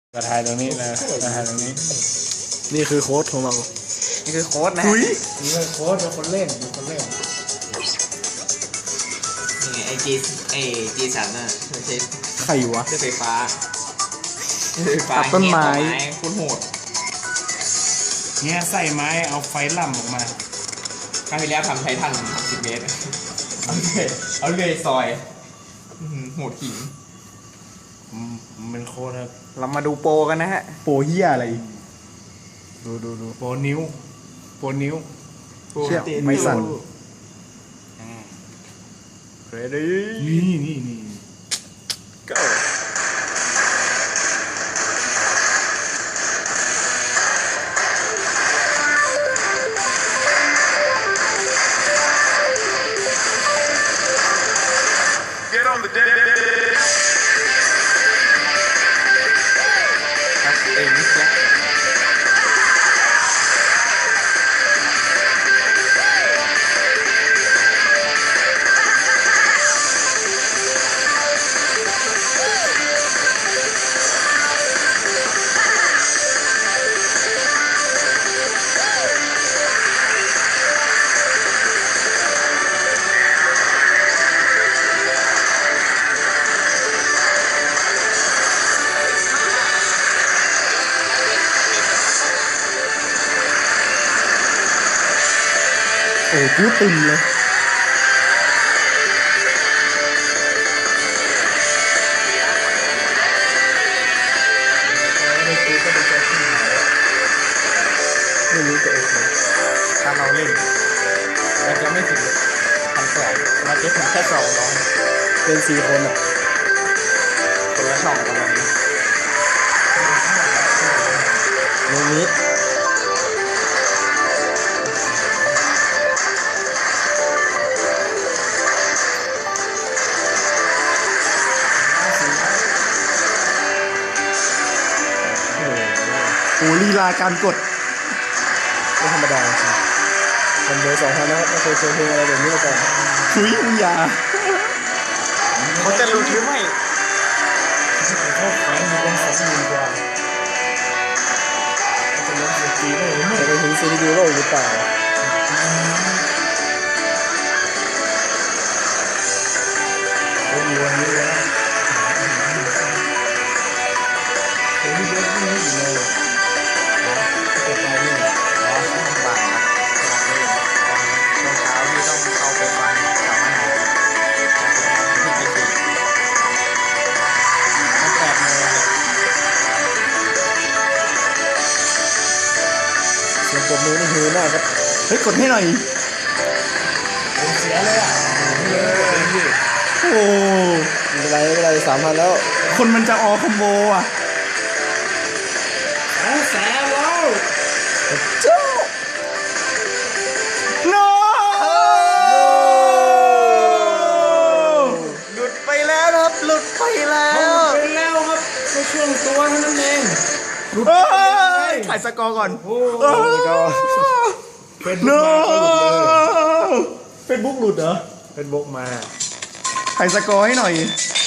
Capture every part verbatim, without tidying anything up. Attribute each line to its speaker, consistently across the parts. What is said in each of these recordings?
Speaker 1: กระทายตรงนี้นะกระทายตรงนี้
Speaker 2: นี่คือโค้ดของเรา
Speaker 3: นี่คือโค้ดนะ
Speaker 2: อุ้ย
Speaker 1: นี่เป็นโค้ดเป็นคนเล่นเป็นคนเล่น
Speaker 3: นี่ไงไอจีไอจีสันน่ะไม่ใช่
Speaker 2: ใครวะ
Speaker 3: เครื่องไฟฟ้าเครื่องไฟฟ้า
Speaker 2: ตัดต้นไม้
Speaker 3: เงี้ยคุณโหด
Speaker 1: เนี่ยใส่ไม้เอาไฟล่ำออกมา
Speaker 3: ครั้งที่แล้วทำไททันหกสิบเมตรเอาเลยเอาเลยซอยอื้อหือโหดขิง
Speaker 1: อืมมันเป็นโค้ดครับ
Speaker 3: เรามาดูโปรกันนะฮะ
Speaker 2: โปเฮียอะไร ดูดูดู
Speaker 1: โปรนิ้วโปรนิ้ว
Speaker 2: เชี่ยไม่สั่น
Speaker 1: อ่า
Speaker 2: เรดี้
Speaker 1: นี่นี่นี่
Speaker 2: go
Speaker 4: Get on the deck.
Speaker 3: ครับเอ็มิสเนี่ย
Speaker 2: โอ้กูตึงเลย
Speaker 1: ไม่ได้ซื้อก็เป็นแค่ที่หา
Speaker 2: ไม่รู้จะโอเค
Speaker 1: ถ้าเราเล่นเราจะไม่ถึงพันสองเราจะถึงแค่สองร้อย
Speaker 2: เป็นสี่คนอ่ะ
Speaker 3: คนละช่องกันเลย
Speaker 2: โนมิดโอ้ลีลาการกดไม่ธรรมดาจริงผมเบอร์สองพันนะครับไม่เคยเจอเพลงอะไรแบบนี้มาก่อนถุยมึงอย่า
Speaker 3: เขาจะรู้หรือไม่
Speaker 1: เขาแขวนอยู่บนสองหมื่นกว่าจะเล่นดนตรีได้หรือไม่
Speaker 2: จะไปถึงซีดีโลกหรือเปล่า
Speaker 1: โอ้ยวันนี้แล้วโอ้ยเยอะไม่รู้อยู่เลยเก็บไปนี่
Speaker 3: อ๋อช่องบ่ายนะช่วงเช้าที่ต้องเข้าไปฟังสัมมนาที่ไปสี่
Speaker 1: มันแปดโมงเลย
Speaker 2: เสียงปรบมือนี่ฮือมากครับเฮ้ยกดให้หน่อย
Speaker 1: ผมเสียเลยอ่ะเยอะเลยพี่
Speaker 2: โอ้ไม่เป็นไรไม่เป็นไรสามพันแล้ว คนมันจะออคอมโบอ่ะ
Speaker 1: สองแสนแล้ว
Speaker 2: เจ้า no
Speaker 3: หลุดไปแล้วนะครับหลุดไปแล้
Speaker 1: เขา
Speaker 3: ว
Speaker 1: เป็นแล้วครับแค่ช่วงตัวเท่านั้นเอง
Speaker 2: เฮ้ยถ่ายสกอร์ก่อน
Speaker 1: โอ้
Speaker 2: เอ้ย
Speaker 1: เป็น
Speaker 2: no
Speaker 1: เฟซบุ๊กหลุดเหรอ
Speaker 2: เป็นบกมาถ่ายสกอร์ให้หน่อย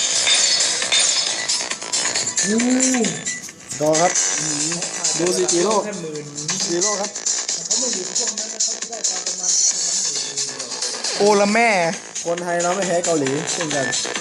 Speaker 2: สกอร์ครับ ดูสิจีโร่
Speaker 1: แค่หมื่น
Speaker 2: จีโร่ครับ โอละแม่ คนไทยเราไม่แพ้เกาหลีเช่นกัน